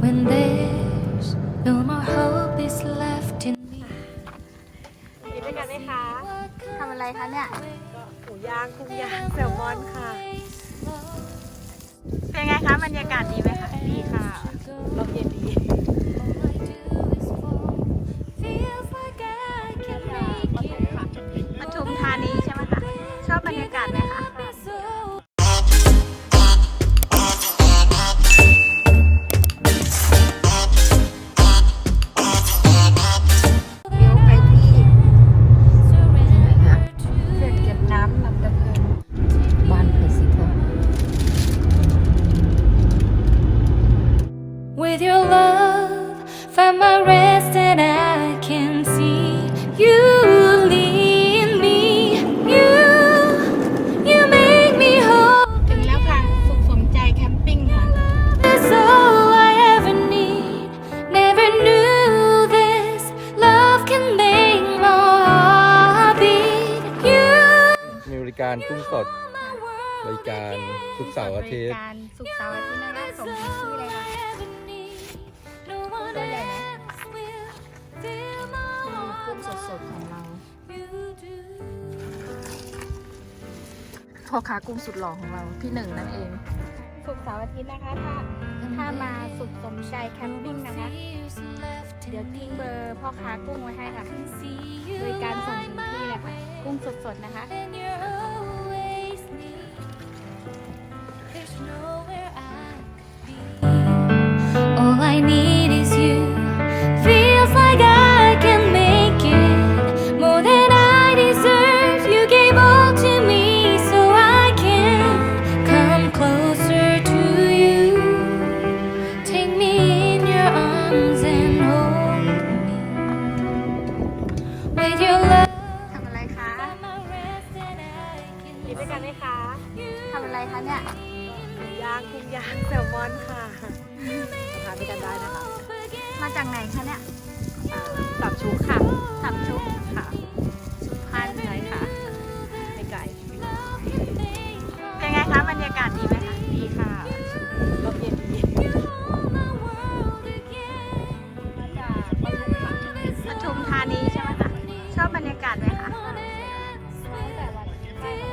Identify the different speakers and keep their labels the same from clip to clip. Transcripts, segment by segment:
Speaker 1: when there's no more hope is left in me
Speaker 2: กินด้วยกันไหมคะ
Speaker 3: ทำอะไรคะเนี่ย
Speaker 2: หมูย่างกุ้งย่างแซลมอนค่ะ เป็นไงคะบรรยากาศดีไหมคะดีค่ะลมเย็นดี ปทุมธานีใช่ไหมคะ ชอบบรรยากาศไหมคะ
Speaker 3: เดี๋ยวไปที่ไหนคะเขื่อนเก็บน้ำลำดำเนินบ้านเพสิทอง
Speaker 1: With your love, find my rest and I can see you lead me. You make me whole.
Speaker 2: ถึงแล้วค่ะ สุขสมใจแคมปิ้งค่ะ
Speaker 1: That's all I ever need. Never knew this love can make my heart beat. You
Speaker 4: มีบริการกุ้งสด บริการทุกเสาร์อาทิตย์
Speaker 2: การสุขเสาร์อาทิตย์นะคะสมชื่อเลยค่ะ
Speaker 1: no one else will fill my
Speaker 3: กุ้ง
Speaker 1: heart
Speaker 3: สดๆของเรา
Speaker 1: like you do.
Speaker 3: พ่อค้ากุ้งสุดหล่อของเราพี่หนึ่งนั่นเอง
Speaker 2: สุขเสาร์อาทิตย์นะคะ ถ้ามาสุขสมใจแคมปิ้งนะคะ เดี๋ยวทิ้งเบอร์พ่อค้ากุ้งไว้ให้ค่ะบริการส่งถึงที่เลยค่ะกุ้งสดๆนะคะ
Speaker 1: And you're always near. There's nowhere I could be. All I need is you. Feels like I can make it more than I deserve. You gave all to me so I can come closer to you. Take me in your arms and hold me. With your love.
Speaker 3: ทำอะไรคะ
Speaker 2: กินด้วยกันไหมคะ
Speaker 3: ทำอะไรคะเนี่ย
Speaker 2: หมูย่างกุ้งย่างแซลมอนค่ะทานด้วยกันได้นะคะ
Speaker 3: มาจากไหนคะเนี่ย
Speaker 2: สับชุกค่ะ
Speaker 3: สับชุก
Speaker 2: ค่ะ
Speaker 3: สุพรรณ
Speaker 2: ใช่ค่ะ ไม่ไกล เป็นไงคะบรรยากาศดีไหมคะ ดีค่ะลมเย็นดีมาจากปทุมค่ะปทุมธานีใช่ไหมคะ ชอบบรรยากาศไหมคะตั้งแต่วันแรก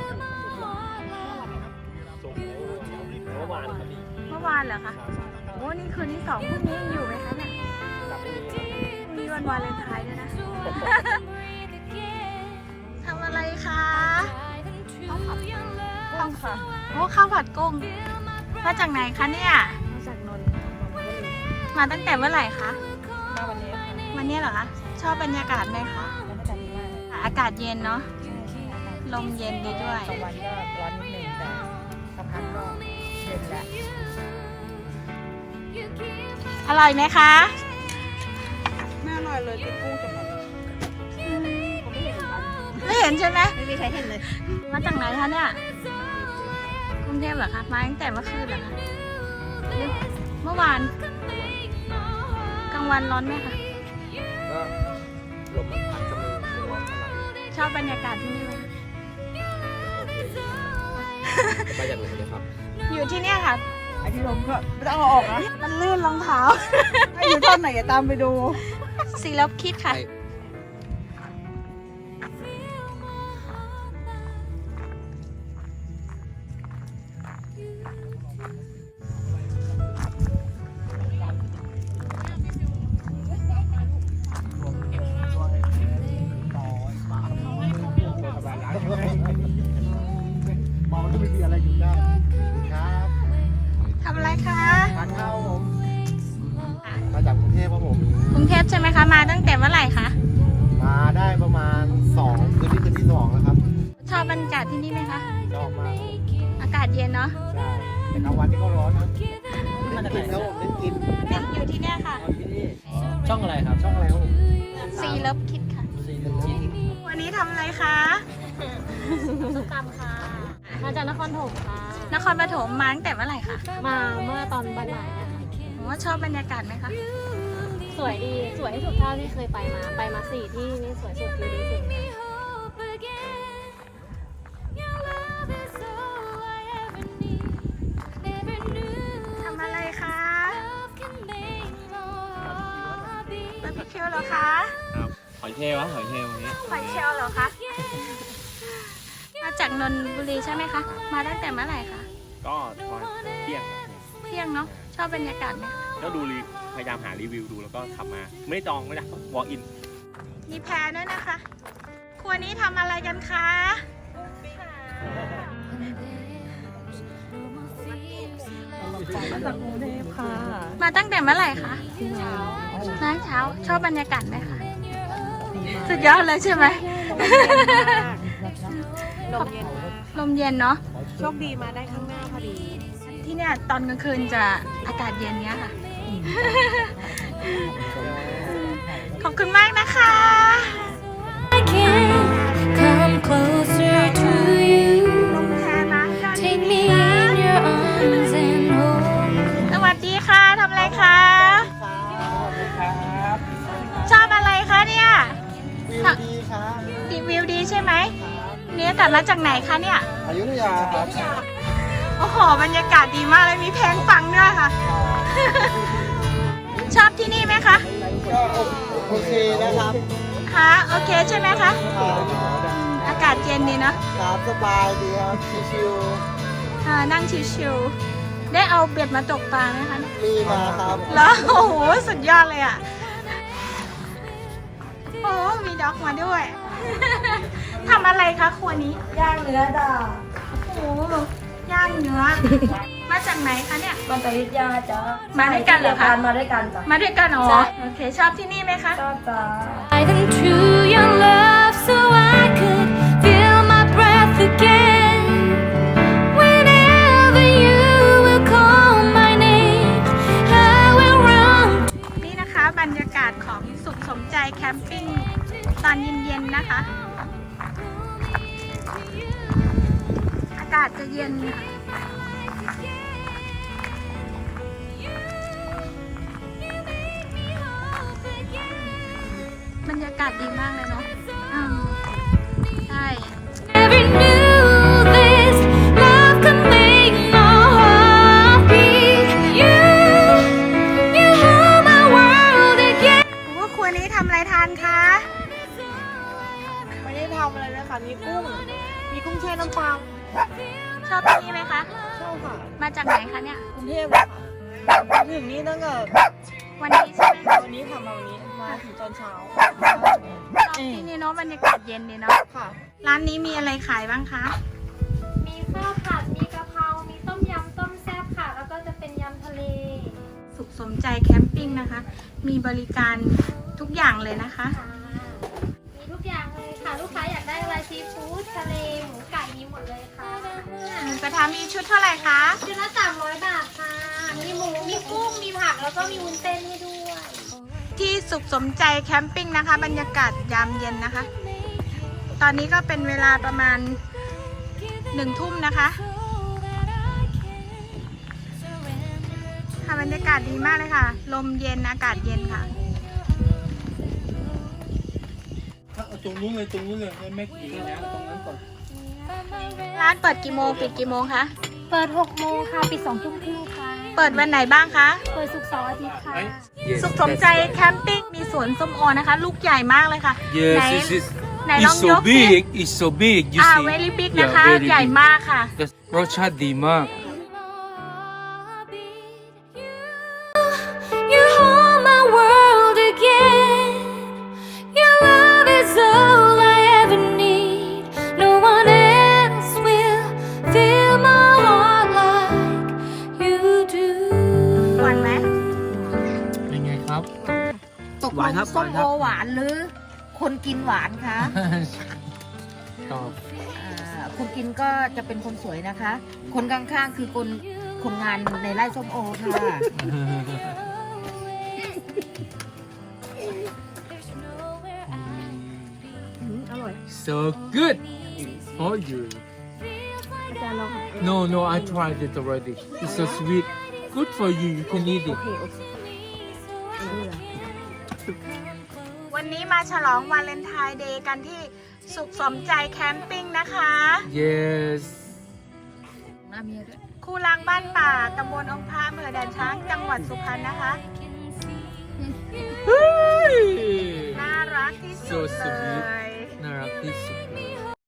Speaker 2: เมื่อวานเหรอคะโอ้นี่คืนที่สองพรุ่งนี้ยังอยู่ไหมคะเนี่ยพรุ่งนี้วันวาเลนไทน์ด้วยนะ ทำอะไรคะข้าวค่ะโอ้ข้าวผัดกุ้ง มาจากไหนคะเนี่ย
Speaker 3: มาจากนนท์
Speaker 2: มาตั้งแต่เมื่อไหร่คะ
Speaker 3: มาวันนี้ค่ะ
Speaker 2: วันนี้เหรอคะ ชอบบรรยากาศไหมคะ
Speaker 3: บรรยากาศดีมาก
Speaker 2: อากาศเย็นเนาะ ลมเย็นดีด้วย
Speaker 3: กลางวันก็ร้อนนิดนึงแต่สักพักก็เย็นแล้ว
Speaker 2: อร่อยไหมคะ
Speaker 3: ไม่อร่อยเลยกินกุ้งจะหมดผมไม่เห็นเหมือนกัน
Speaker 2: ไม่เห็นใช่ไหม
Speaker 3: ไม่มีใครเห็นเลย
Speaker 2: มาจากไหนคะเนี่ย กรุงเทพเหรอคะ มาตั้งแต่เมื่อคืนเหรอคะหรือเมื่อวาน กลางวันร้อนไหมคะ
Speaker 4: ก็ลมมันพัดก็ไม่ร้อนเท่าไหร่
Speaker 2: ชอบบรรยากาศที่นี่ไหมคะ
Speaker 4: โอเคอยู่ไปอย่างไรเลยครับ
Speaker 2: อยู่ที่เนี่ยค่ะ
Speaker 3: ไอที่ลมก็ไม่ต้องเอาออกนะมันลื่นรองเท้าถ้าอยู่ท่อนไหนอย่าตามไปดู
Speaker 2: สีลบคิดค่ะ
Speaker 5: มองก็ไม่มีอะไรอยู่ได้ครับ
Speaker 2: ทำอะไรคะ
Speaker 5: ทานข้าวผม มาจากกรุงเทพครับผม
Speaker 2: กรุงเทพใช่ไหมคะ มาตั้งแต่เมื่อไหร่คะ
Speaker 5: มาได้ประมาณ2คืนที่2แล้วครับ
Speaker 2: ชอบบรรยากาศที่นี่ไหมคะ
Speaker 5: ชอบมากครับผม
Speaker 2: อากาศเย็นเนาะ
Speaker 5: ใช่แต่กลางวันนี่ก็ร้อนนะมาจากไหนครับผมได้กิน
Speaker 2: เนี่ยอยู่ที่เนี่ยค่ะ
Speaker 6: ช่องอะไรครับ
Speaker 5: ช่องอะไรครับผม
Speaker 2: สีลบคิดค่ะ
Speaker 6: ซีนจิต
Speaker 2: วันนี้ทำอะไรคะ
Speaker 7: สุกรรมค่ะ มาจากนครถมค่ะ
Speaker 2: นครปฐมมาตั้งแต่เมื่อไหร่คะ
Speaker 7: มาเมื่อตอนบ่ายๆนะคะ
Speaker 2: ผมว่าชอบบรรยากาศไหมคะ
Speaker 7: สวยดี สวยที่สุดเท่าที่เคยไปมา ไปมา4 ที่นี่สวยสุดวิวดีสุด
Speaker 1: hope again. Your love is all I ever need. Never knew
Speaker 2: ทำอะไรคะ
Speaker 1: love can make
Speaker 2: เหรอคะ
Speaker 6: ครับหอยเชลล์ครับหอยเชลล์วันนี้
Speaker 2: หอยเชลล์เหรอคะ มาจากนนทบุรีใช่ไหมคะ มาตั้งแต่เมื่อไหร่คะ
Speaker 5: ก็ตอนเที่ยง
Speaker 2: เที่ยงเนาะ ชอบบรรยากาศไหมคะ
Speaker 5: ก็ดูพยายามหารีวิวดูแล้วก็ขับมา ไม่ได้จองไม่ได้ walk in
Speaker 2: มีแพรด้วยนะคะ ครัวนี้ทำอะไรกันคะ มาตั้งแต่เมื่อไหร่คะน้าเช้า ชอบบรรยากาศไหมคะ สุดยอดเลยใช่ไหม
Speaker 7: ลมเย็น
Speaker 2: ลมเย็นเนาะ
Speaker 7: โชคดีมาได้ข้างหน้าพอดี
Speaker 2: ที่เนี่ยตอนกลางคืนจะอากาศเย็นเนี้ยค่ะ ขอบคุณมากนะคะ
Speaker 1: I can come closer to you.
Speaker 2: ลมแพมา
Speaker 1: Take me in your arms and hold.
Speaker 2: สวัสดีค่ะทำอะไรคะ ชอบอะไรคะเนี่ย
Speaker 8: วิวดีครับ
Speaker 2: ดีวิวดีใช่ไหมเนี่ยกลับมาจากไหนคะเนี่ย
Speaker 8: อยุธยาครับ
Speaker 2: โอ้โห บรรยากาศดีมากเลย มีเพลงฟังด้วยค่ะ ชอบที่นี่ไหมคะ
Speaker 8: ก็โอเคนะครับ
Speaker 2: คะโอเคใช่ไหมคะ
Speaker 8: ครับ
Speaker 2: อากาศเย็นดีเนาะ
Speaker 8: ครับสบายดีครับชิว
Speaker 2: นั่งชิวๆ ได้เอาเบ็ดมาตกปลาไหมคะเนี่ย
Speaker 8: ๆมีมาครับ
Speaker 2: แล้วโอ้โห สุดยอดเลยอ่ะ โอ้มีด็อกมาด้วย ทำอะไรคะครัวนี้
Speaker 3: ย่างเนื้อดา
Speaker 2: โอ้ย่างเนื้อ มาจากไหนคะเนี่ย
Speaker 3: มันตวิทยาจ้ะ
Speaker 2: มาด้วยกันเหรอคะ
Speaker 3: มาด้วยกันจ้ะ
Speaker 2: มาด้วยกันเหรอ
Speaker 3: ใช่
Speaker 2: โอเค ชอบที่นี่ไหมคะ
Speaker 3: ชอบจ้ะ
Speaker 1: Dive into your love so I could feel my breath again. Whenever you will call my name, I will run.
Speaker 2: นี่นะคะบรรยากาศของสุขสมใจแคมปิ้งตอนเย็นๆนะคะ อากาศจะเย็นค่ะบรรยากาศดีมากเลยเนาะใช่
Speaker 1: Never knew this love could make my heart beat. You hold my world again.
Speaker 2: ว่าครัวนี้ทำอะไรทานคะ
Speaker 7: ไม่ได้ทำอะไรเลยค่ะ มีกุ้ง มีกุ้งแช่น้ำปลา
Speaker 2: ชอบที่นี่ไหมคะ
Speaker 7: ชอบค่ะ
Speaker 2: มาจากไหนคะเนี่ย
Speaker 7: กรุงเทพเลยค่ะมาถึงนี่ตั้งแต่
Speaker 2: วันนี้ใช่ไหมคะ
Speaker 7: วันนี้ทำมาวันนี้ มาถึงตอนเช้า
Speaker 2: ชอบที่นี่เนาะบรรยากาศเย็นดีเนาะ
Speaker 7: ค่ะ
Speaker 2: ร้านนี้มีอะไรขายบ้างคะ
Speaker 9: มีข้าวผัด มีกะเพรา มีต้มยำ ต้มแซ่บค่ะ แล้วก็จะเป็นยำทะเล
Speaker 2: สุขสมใจแคมปิ้งนะคะ มีบริการทุกอย่างเลยนะคะ
Speaker 9: ค่ะมีทุกอย่างเลยค่ะ ลูกค้าอยากได้อะไรซีฟู้ดทะเล หมูไก่มีหมดเลยค่ะ
Speaker 2: หมูกระทะมีชุดเท่าไหร่คะ
Speaker 9: ชุดละ300 บาทค่ะ มีหมู มีกุ้ง มีผัก แล้วก็มีวุ้นเส้นให้ด้วย
Speaker 2: ที่สุขสมใจแคมปิ้งนะคะ บรรยากาศยามเย็นนะคะ ตอนนี้ก็เป็นเวลาประมาณ1 ทุ่มนะคะค่ะบรรยากาศดีมากเลยค่ะ ลมเย็นอากาศเย็นค่ะ
Speaker 8: ตรงนู้นเลยตรงนู้นเลยแม่กี่แล้วตรงนั้นก่อน
Speaker 2: ร้านเปิดกี่โมงปิดกี่โมงคะ
Speaker 9: เปิด6 โมงค่ะ ปิด2 ทุ่มครึ่งค่ะ
Speaker 2: เปิดวันไหนบ้างคะ
Speaker 9: เปิดศุกร์เสาร์อาทิตย์ค่ะ
Speaker 2: สุขสมใจแคมปิ้งมีสวนส้มโอนะคะ ลูกใหญ่มากเลยค่ะ
Speaker 10: Yes,
Speaker 2: ไหน ไหนลอง
Speaker 10: it's
Speaker 2: ย
Speaker 10: so
Speaker 2: กสิ
Speaker 10: big. It's so big. You see?
Speaker 2: very big
Speaker 10: Yeah,
Speaker 2: นะคะ
Speaker 10: very
Speaker 2: ใหญ่
Speaker 10: big.
Speaker 2: มากค่ะ
Speaker 10: That's Rocha Dimak.
Speaker 1: You hold my world again. Your love is all I ever need. No one else will fill my heart like you do.
Speaker 2: หวานไหม
Speaker 6: เป็นไงครับ
Speaker 3: ตกลงส้มโอหวานหรือ คนกินหวานคะ
Speaker 6: ชอบ
Speaker 3: คนกินก็จะเป็นคนสวยนะคะ คนข้างๆคือคนงานในไร่ส้มโอค่ะ
Speaker 10: So good for you. No, no, I tried it already. It's so sweet. Good for you. You can eat it.
Speaker 2: วันนี้มาฉลองวาเลนไทน์เดย์กันที่สุขสมใจแคมปิ้งนะคะ
Speaker 10: Yes.
Speaker 2: คู่รักบ้านป่าตำบลองค์พระอำเภอด่านช้างจังหวัดสุพรรณนะคะ
Speaker 10: Hey. This